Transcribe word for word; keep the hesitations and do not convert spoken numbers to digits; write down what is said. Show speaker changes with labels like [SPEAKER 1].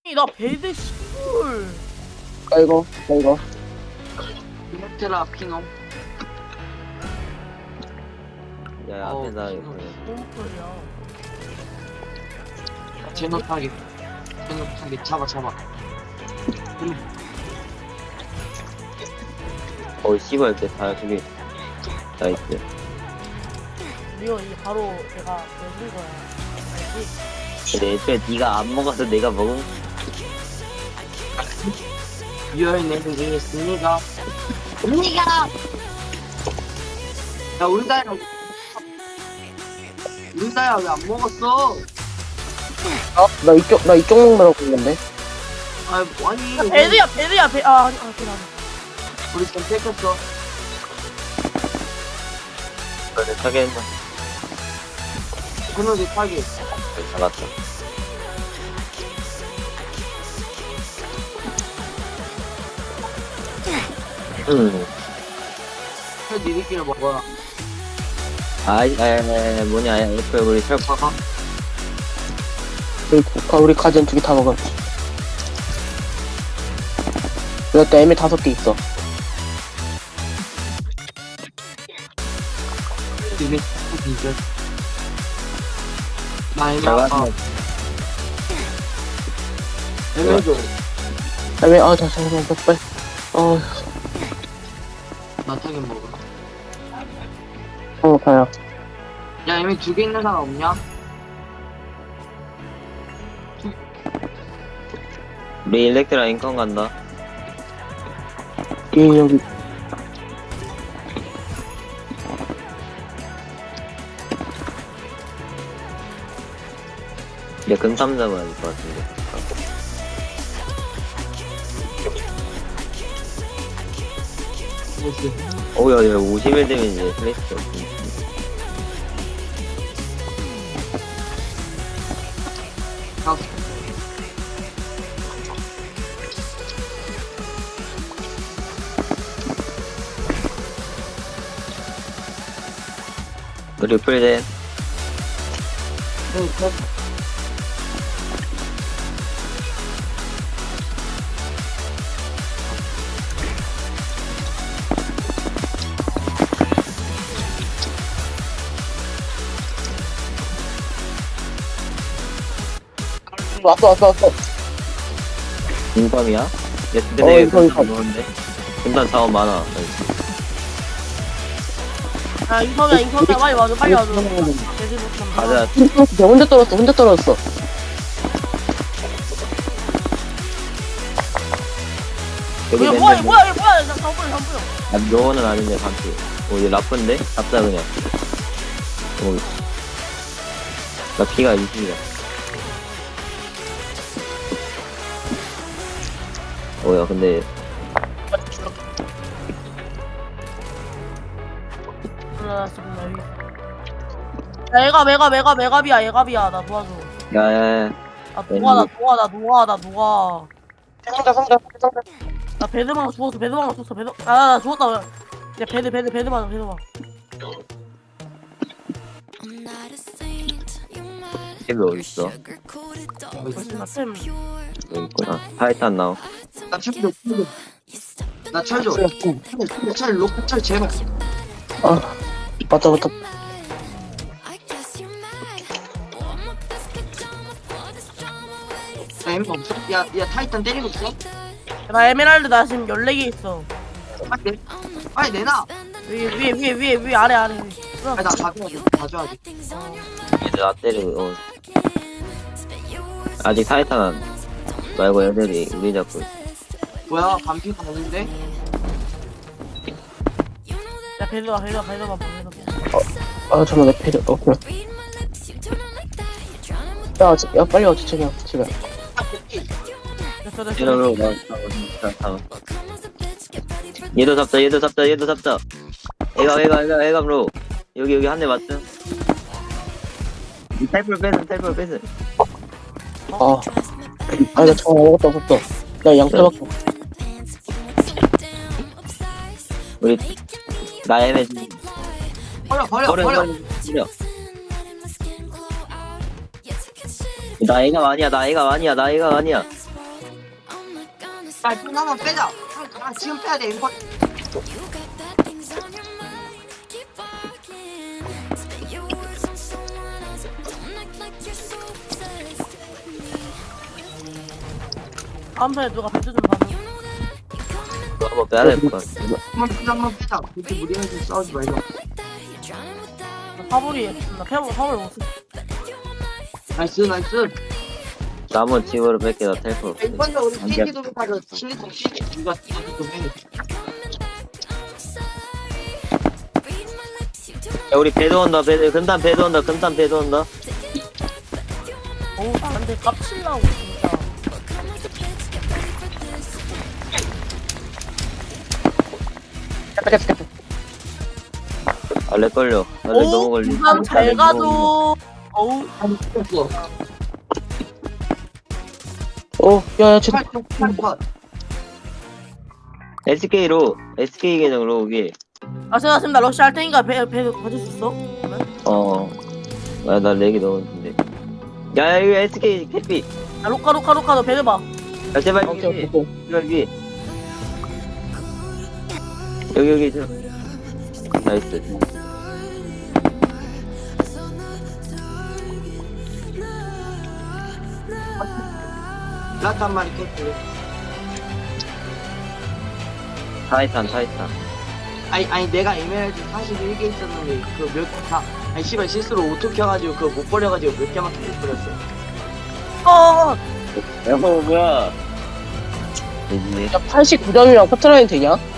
[SPEAKER 1] 나 배드 씨불.
[SPEAKER 2] 깔고 깔고
[SPEAKER 3] 이모트라 피놈.
[SPEAKER 4] 야,
[SPEAKER 3] 어,
[SPEAKER 4] 앞에다
[SPEAKER 3] 신호.
[SPEAKER 1] 너무 꿀이야.
[SPEAKER 3] 제노타기. 제노타기 잡아 잡아.
[SPEAKER 4] 어 씨발 이렇게 다 저기 나이스.
[SPEAKER 1] 이거 이게 바로 내가 내준 거야. 알지?
[SPEAKER 4] 근데 애초에 네가 안 먹어서 내가 먹은.
[SPEAKER 3] 유혈 내리기 있습니다. 언니가. 야 우리 다야. 우리 다야 왜 안 먹었어?
[SPEAKER 2] 어? 나 이쪽 나 이쪽 먹느라고 했는데
[SPEAKER 3] 아 아니.
[SPEAKER 1] 야, 배드야 배드야 배. 아 아니 아 배드 아니.
[SPEAKER 3] 우리 지금 뺏겼어.
[SPEAKER 4] 그래 타겠나?
[SPEAKER 3] 그놈이 타기.
[SPEAKER 4] 잡았어. 음.
[SPEAKER 3] 해 니들끼리 먹어라.
[SPEAKER 4] 아이, 아이, 아이, 뭐냐, 애플 우리 철 파가?
[SPEAKER 2] 우리 가- 우리 가전 두 개 다 먹어. 이것도 애매 다섯 개 있어.
[SPEAKER 3] 니들 니들. 나 이거
[SPEAKER 4] 잘
[SPEAKER 3] 아까
[SPEAKER 4] 봤네.
[SPEAKER 3] 애매줘.
[SPEAKER 2] 애매 아 잠시만 빨리. 어,
[SPEAKER 3] 나 타기 먹어.
[SPEAKER 2] 어 다야.
[SPEAKER 3] 야 애매 두 개 있는 사람 없냐?
[SPEAKER 4] 우리 일렉트라 인컨 간다.
[SPEAKER 2] 얘 여기
[SPEAKER 4] 이제 금삼 잡아야 될 것 같은데.
[SPEAKER 3] 뭐지?
[SPEAKER 4] 오, 야, 야, 오십 일 되면 이제 플레이스 없지.
[SPEAKER 3] 아,
[SPEAKER 4] 우리 풀젠.
[SPEAKER 3] 네, 네.
[SPEAKER 2] 왔어 왔어 왔어.
[SPEAKER 4] 인감이야? 야, 근데
[SPEAKER 2] 어,
[SPEAKER 4] 내가
[SPEAKER 2] 이거, 이거.
[SPEAKER 4] 금삼 넣었는데? 금삼 자원 많아.
[SPEAKER 1] 야 인컴이야 인컴이야 빨리 와줘 빨리 와줘. 배드 못
[SPEAKER 4] 가자.
[SPEAKER 2] 혼자 떨었어 혼자 떨었어.
[SPEAKER 4] 여기
[SPEAKER 1] 이거
[SPEAKER 4] 맨날
[SPEAKER 1] 뭐야
[SPEAKER 4] 뭐-
[SPEAKER 1] 뭐야 이거 뭐야 나 잠깐만 잠깐만.
[SPEAKER 4] 아, 요거는 아닌데, 반피. 오, 얘 라프인데? 잡자, 그냥. 오. 나 피가 이십이야. 오, 야, 근데,
[SPEAKER 1] 나 지금 여기. 야 얘가 메가 메가 메가비야 얘가비야 나 도와줘.
[SPEAKER 4] 야, 야, 야.
[SPEAKER 1] 나 녹아 나 녹아 나 녹아 나 녹아.
[SPEAKER 2] 상자 상자 상자.
[SPEAKER 1] 나 배드망 죽었어 배드망 죽었어 배드. 아나 죽었다. 야 배드 배드 배드망 배드망.
[SPEAKER 4] 템이 어딨어?
[SPEAKER 1] 훨씬 나 템.
[SPEAKER 4] 여기 있구나. 타이탄 나오.
[SPEAKER 3] 나 철도 나 철도. 철, 철, 로크 철 제발.
[SPEAKER 2] 아 맞다 맞다.
[SPEAKER 3] 야 애매 없어? 야, 야 타이탄 때리고 있어?
[SPEAKER 1] 나 에메랄드 나 지금 열네 개 있어.
[SPEAKER 3] 빨리 내. 빨리 내놔.
[SPEAKER 1] 위에 위에 위에 위에 위에 아래 아래.
[SPEAKER 3] 아니 나 가져야지. 가져야지.
[SPEAKER 4] 얘들 나 때리고, 어. 아직 타이탄 안, 말고 애들이 우리 잡고 있어.
[SPEAKER 3] 뭐야 반피가 없는데?
[SPEAKER 1] 야 배드망 배드망 배드망 배드망.
[SPEAKER 2] 아 잠깐만 내 패드 어 그래. 야, 지- 야 빨리 와 지청이야 집에.
[SPEAKER 1] 됐어 됐어.
[SPEAKER 4] 이러로 나, 나, 나, 얘도 잡자, 얘도 잡자, 얘도 잡자. 애가, 애가, 애가, 애가, 로. 여기, 여기 한 대 맞죠? 이 탈불 뺏은, 탈불 뺏은.
[SPEAKER 2] 아, 아니 나 정말 아무것도 없었어. 나 양떼밖에 없어.
[SPEAKER 4] 우리, 나 애매,
[SPEAKER 3] 버려 버려
[SPEAKER 4] 버려,
[SPEAKER 3] 버려.
[SPEAKER 4] 버려, 버려. 나 애가 아니야, 나 애가 아니야, 나 애가 아니야.
[SPEAKER 3] 야, 돈 한번 빼자. 아, 지금 빼야 돼. 이거.
[SPEAKER 1] 다음 판에 누가 배드 좀 받아.
[SPEAKER 4] 또 한번 빼야 될 것 같아.
[SPEAKER 3] 한번 빼자, 한번 빼자. 그렇게 무리해서 싸우지 말자.
[SPEAKER 1] 사볼이 나 패버 사볼 못 쓰.
[SPEAKER 3] 나이스, 나이스.
[SPEAKER 4] 남은 집으로 뺄게. 나 텔포 없어.
[SPEAKER 3] 이번에 우리
[SPEAKER 4] 안 돼.
[SPEAKER 3] 띠기도 가서 실리콘 띠기 이거 좀 해.
[SPEAKER 4] 야, 우리 배도 온다. 배도 금단 배도 온다. 금단 배도 온다.
[SPEAKER 1] 어우 나 근데 깝칠라고 진짜.
[SPEAKER 2] 잠깐 잠깐.
[SPEAKER 4] 아, 렉 걸려. 나렉 너무
[SPEAKER 1] 어우
[SPEAKER 4] 걸리.
[SPEAKER 1] 부상 잘 가도. 어우
[SPEAKER 3] 안 됐어.
[SPEAKER 2] 어, 야야 쟤.
[SPEAKER 3] 팔, 팔, 팔.
[SPEAKER 4] 에스케이로 에스케이 계정으로 오기.
[SPEAKER 1] 아 생각했습니다. 러시 할 테니까 배배 가질 수 있어? 그러면?
[SPEAKER 4] 어. 아, 나 렉이 너무 힘든데. 야, 야, 이거 에스케이 캐피.
[SPEAKER 1] 야 로카 로카 로카 너 배드 봐.
[SPEAKER 4] 야, 제발
[SPEAKER 2] 오케이
[SPEAKER 4] 여기.
[SPEAKER 2] 오케이 오케이.
[SPEAKER 4] 여기. 여기 여기 저. 나이스.
[SPEAKER 3] 라트 한 마리 깼고.
[SPEAKER 4] 타이탄 타이탄.
[SPEAKER 3] 아니, 아니, 내가 에메랄드 사십일 개 있었는데, 그 몇, 다, 아니, 씨발, 실수로 오토 켜가지고, 그거 못 버려가지고 몇 개만 켜버렸어.
[SPEAKER 1] 어.
[SPEAKER 4] 야, 뭐 뭐야? 뭐지?
[SPEAKER 2] 야 팔십구 점이랑 커트라인 되냐?